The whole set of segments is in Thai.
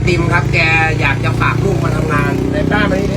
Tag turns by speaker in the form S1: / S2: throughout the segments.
S1: ติมครับ แกอยากจะฝากลูกมาทำงานในป้ามานี่ดิ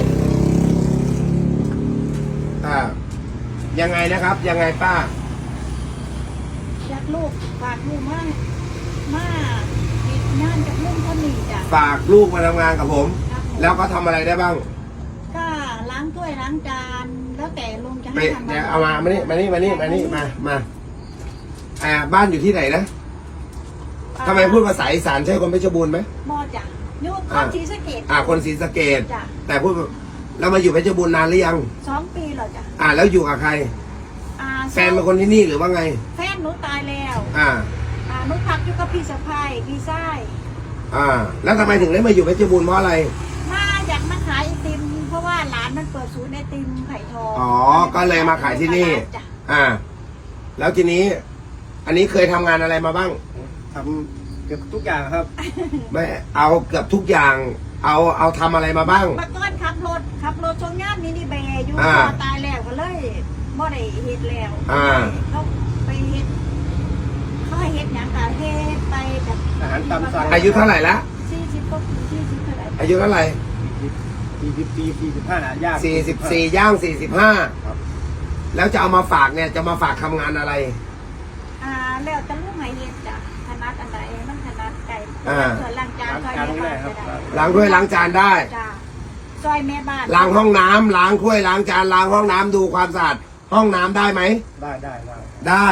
S1: ยังไงนะครับ ยังไงป้า
S2: อยากลูกฝากลูกมากติดงานจากลูกคนนี้จ้ะ
S1: ฝากลูกมาทำงานกับผม แล้วก็ทำอะไรได้บ้าง
S2: ก็ล้างถ้วยล้างจานแล้วแต่ลุงจะให้ทำ
S1: เดี๋ยวเอามานี่มาบ้านอยู่ที่ไหนนะทำไมพูดภาษาอีสานใช่คนเพชรบูรณ์ไหม
S2: มอจ้ะยุคคนศรีสะเกษ
S1: คนศรีสะเกษแต่พูดแล้วมาอยู่เพชรบูรณ์นานหรือยัง
S2: 2 ปีแล้วจ้ะ
S1: แล้วอยู่กับใครแฟนเป็นคนที่นี่หรือว่าไง
S2: แฟนหนูตายแล้วหนูพักอยู่กับพี่สะพ้ายพี่ชาย
S1: แล้วทำไมถึงได้มาอยู่เพชรบูรณ์เพราะอะไร
S2: อยากมาขายไอติมเพราะว่าร้านมันเปิดศูนย์ไอติมไผ่ทอง
S1: ก็เลยมาขายที่นี่แล้วทีนี้อันนี้เคยทำงานอะไรมาบ้าง
S3: ทำเกือบทุกอย่างครับ
S1: ไม่เอาเกือบทุกอย่างเอาทำอะไรมาบ้าง
S2: มาก่อนขับรถชนงานมินิเบย์อยู่ตายแล้วก็เลยบ่ได้เฮ็ดแล้วเขาไปเฮ็ดเขาให้เฮ็ดอย่างต่างเฮ็ดไปแบบ
S3: อาหารตามสั่ง
S1: อายุเท่าไหร่ละ
S2: 40ก็40เท่าไหร่
S1: อายุเท่าไหร่
S3: 40 ปี45ย่าง
S1: 44ย่าง45แล้วจะเอามาฝากเนี่ยจะมาฝากทำงานอะไร
S2: แล้วจะลูกไหนเฮ็ดจ้ะถนัดอันใดมันถนัดไก่ส่วนล้างจานซอยแม่บ้านก็ได้
S1: ล้างถ้วยล้างจานได้
S2: ซอยแม่บ้าน
S1: ล้างห้องน้ำล้างถ้วยล้างจานล้างห้องน้ำดูความสะอาดห้องน้ำได้ไหมได้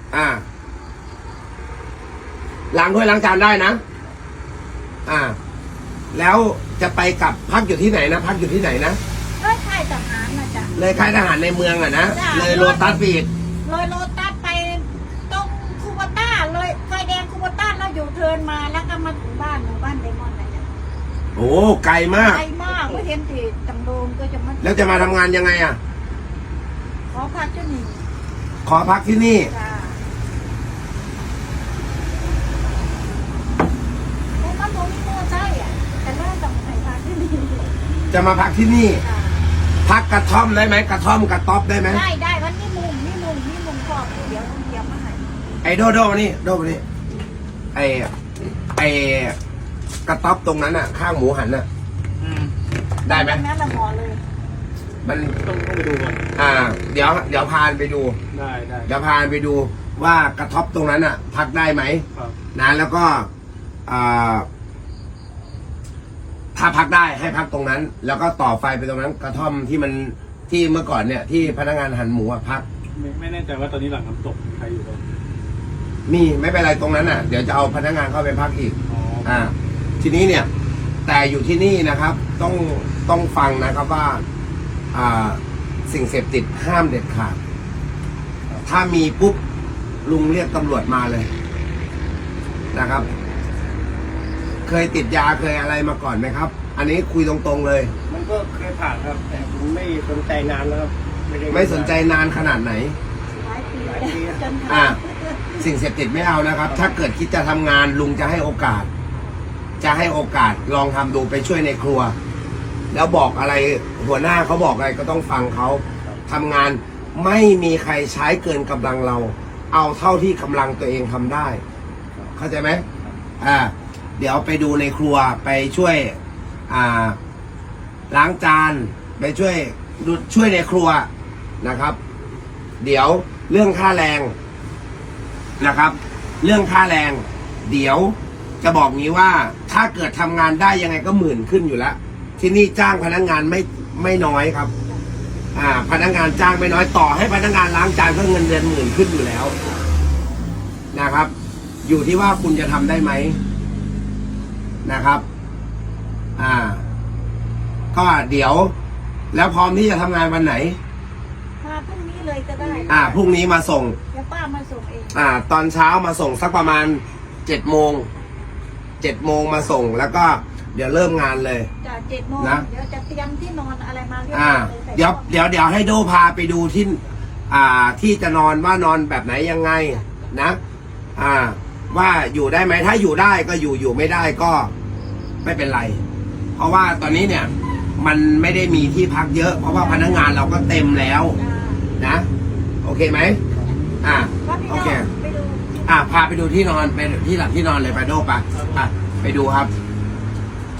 S1: ล้างถ้วยล้างจานได้นะแล้วจะไปกับพักอยู่ที่ไหนนะพักอยู่ที่ไหนนะ
S2: เลยค่ายทหารนะจ๊ะ
S1: เลยค่ายทหารในเมืองนะเลยโลตัสปีด
S2: เลยโลตัสไปตรงคูโบต้าเลยไฟแดงคูโบต้าแล้วอยู่เทินมาแล้วก็มาถึงบ้านหมู่บ้านไดมอนด์นะจ๊ะ
S1: โอ้ไกลมาก
S2: ไม่เห็นที่ตำโดงก็จะมา
S1: แล้วจะมาทำงานยังไง
S2: ขอพักที่นี่
S1: ขอพักที่นี่จะมาพักที่นี่พักกระท่อมได้ไหมกระท่อมกระต๊อบได้ไหม
S2: ได้วันนี้มุมขอบเดี๋ยวเตรียมมาให้
S1: ไอ้โดมานี่ไอ้กระต๊อบตรงนั้นข้างหมูหันได้ไหม
S2: งั้นเราหมอเลย
S1: มัน
S3: ต้องไปดูก่อน
S1: เดี๋ยวพานไปดู
S3: ได้
S1: เดี๋ยวพานไปดูว่ากระต๊อบตรงนั้นพักได้ไหมนะแล้วก็ถ้าพักได้ให้พักตรงนั้นแล้วก็ต่อไฟไปตรงนั้นกระท่อมที่เมื่อก่อนเนี่ยที่พนักงานหั่นหมูพัก
S3: ไม่แน่ใจว่าตอนนี้หลังน้ำตกใครอยู่ตรง
S1: มีไม่เป็นไรตรงนั้นเดี๋ยวจะเอาพนักงานเข้าไปพักอีกทีนี้เนี่ยแต่อยู่ที่นี่นะครับต้องฟังนะครับว่าสิ่งเสพติดห้ามเด็ดขาดถ้ามีปุ๊บลุงเรียกตำรวจมาเลยนะครับเคยติดยาเคยอะไรมาก่อนไหมครับอันนี้คุยตรงๆเลย
S3: มันก็เคยผ่านครับแต่ผมไม่สนใจนานแล้วครับ
S1: ไม่สนใจนานขนาดไหน
S2: หลายปี
S1: สิ่งเสพติดไม่เอานะครับถ้าเกิดคิดจะทำงานลุงจะให้โอกาสลองทำดูไปช่วยในครัวแล้วบอกอะไรหัวหน้าเขาบอกอะไรก็ต้องฟังเขาทำงานไม่มีใครใช้เกินกำลังเราเอาเท่าที่กำลังตัวเองทำได้เข้าใจไหมเดี๋ยวไปดูในครัวไปช่วยล้างจานไปช่วยในครัวนะครับ เดี๋ยวเรื่องค่าแรงนะครับเรื่องค่าแรงเดี๋ยวจะบอกงี้ว่าถ้าเกิดทำงานได้ยังไงก็10,000ขึ้นอยู่แล้วที่นี่จ้างพนักงานไม่น้อยครับพนักงานจ้างไม่น้อยต่อให้พนักงานล้างจานก็เงินเดือน10,000ขึ้นอยู่แล้วนะครับอยู่ที่ว่าคุณจะทำได้ไหมนะครับก็เดี๋ยวแล้วพร้อมที่จะทำงานวันไหน
S2: พรุ่งนี้เลยก็ได้
S1: พรุ่งนี้มาส่ง
S2: เดี๋ยวป้ามาส่งเอง
S1: ตอนเช้ามาส่งสักประมาณ7 โมงมาส่งแล้วก็เดี๋ยวเริ่มงานเลย
S2: จาก7 โมง
S1: นะ
S2: เดี๋ยวจะเตรียมที่นอนอะไรมาเรียบ
S1: ร้อยเดี๋ยวให้โดพาไปดูที่จะนอนว่านอนแบบไหนยังไงนะว่าอยู่ได้ไหมถ้าอยู่ได้ก็อยู่ไม่ได้ก็ไม่เป็นไรเพราะว่าตอนนี้เนี่ยมันไม่ได้มีที่พักเยอะเพราะว่าพนักงานเราก็เต็มแล้วนะโอเคไหมโอเคพาไปดูที่นอนไปที่หลับที่นอนเลยไปโดไปไปดูครับ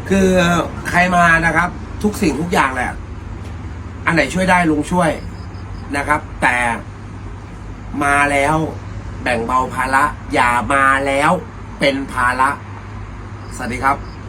S1: คือใครมานะครับ ทุกสิ่งทุกอย่างแหละ อันไหนช่วยได้ลุงช่วยนะครับ แต่มาแล้วแบ่งเบาภาระอย่ามาแล้วเป็นภาระสวัสดีครับ